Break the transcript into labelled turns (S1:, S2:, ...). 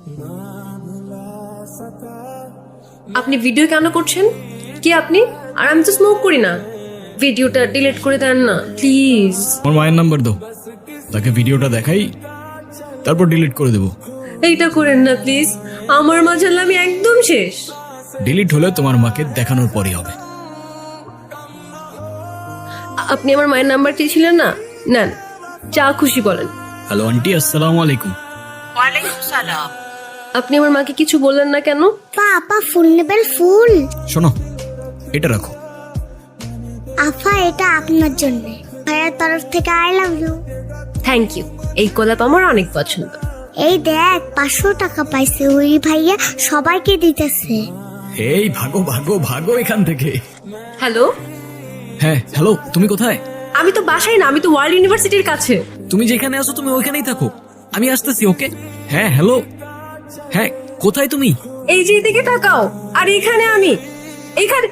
S1: আপনি ভিডিও কেন করছেন? কি আপনি? আর আমি তো স্মোক করি না। ভিডিওটা ডিলিট করে দেন না প্লিজ।
S2: আমার মায়ের নাম্বার দাও, তাকে ভিডিওটা দেখাই, তারপর ডিলিট করে দেবো।
S1: এইটা করেন না প্লিজ, আমার মা জানলে আমি একদম শেষ।
S2: ডিলিট হলে তোমার মাকে দেখানোর পরই হবে।
S1: আপনি আমার মায়ের নাম্বার চেয়েছিলেন না, নেন, যা খুশি বলেন।
S2: হ্যালো আন্টি, আসসালামু আলাইকুম।
S3: ওয়ালাইকুম সালাম।
S1: আপনি আমার মাকে কিছু বললেন না কেন?
S4: আপা ফুল নেবেন? ফুল?
S2: শোনো, এটা রাখো।
S4: আফা এটা আপনার জন্য, ভাইয়ার তরফ থেকে I love you.
S1: Thank you, এই গোলাপ আমার অনেক পছন্দ।
S4: এই দেখ 500 টাকা পাইছে, ওই ভাইয়া সবাইকে দিতেছে।
S2: এই ভাগো ভাগো ভাগো এখান থেকে।
S1: হ্যালো,
S2: হ্যাঁ হ্যালো, তুমি কোথায়?
S1: আমি তো বাসায় না, আমি তো ওয়ার্ল্ড ইউনিভার্সিটির কাছে।
S2: তুমি যেখানে আছো তুমি ওইখানেই থাকো, আমি আসতেছি। ওকে, হ্যাঁ হ্যালো, হ্যাঁ কোথায় তুমি?
S1: এই যে দিকে তাকাও, আর এখানে আমি, এখানে।